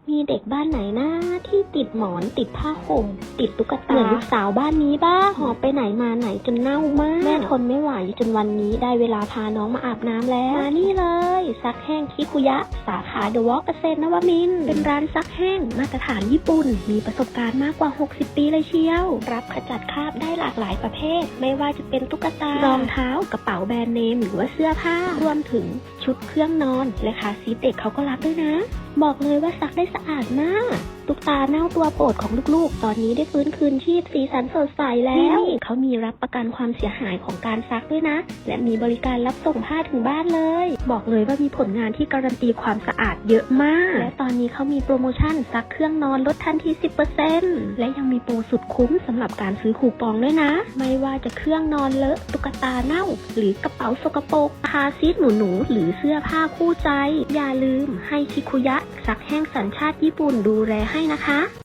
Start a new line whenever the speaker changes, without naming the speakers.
มีเด็กบ้านไหนนะที่ติดหมอนติดผ้าห่มติดตุ๊กตาเหมือนลูกสาวบ้านนี้บ้างหอบไปไหนมาไหนจนเน่ามากแม่ทนไม่ไหวจนวันนี้ได้เวลาพาน้องมาอาบน้ำแล้วมานี่เลยซักแห้งคิคุยะสาขาเดอะวอล์กเกษตรนวมินทร์เป็นร้านซักแห้งมาตรฐานญี่ปุ่นมีประสบการณ์มากกว่า60ปีเลยเชียวรับขจัดคราบได้หลากหลายประเภทไม่ว่าจะเป็นตุ๊กตารองเท้ากระเป๋าแบรนด์เนมหรือว่าเสื้อผ้ารวมถึงชุดเครื่องนอนและคาซีทเด็กเขาก็รับด้วยนะบอกเลยว่าซักได้สะอาดมากตุ๊กตาเน่าตัวโปรดของลูกๆตอนนี้ได้ฟื้นคืนชีพสีสันสดใสแล้วเขามีรับประกันความเสียหายของการซักด้วยนะและมีบริการรับส่งผ้าถึงบ้านเลยบอกเลยว่ามีผลงานที่การันตีความสะอาดเยอะมากและตอนนี้เขามีโปรโมชั่นซักเครื่องนอนลดทันที 10% และยังมีโปรสุดคุ้มสำหรับการซื้อคูปองด้วยนะไม่ว่าจะเครื่องนอนเลอะตุ๊กตาเน่าหรือกระเป๋าสกปรกคาซีทหนูๆหรือเสื้อผ้าคู่ใจอย่าลืมให้คิคุยะซักแห้งสัญชาติญี่ปุ่นดูแลให้นะคะ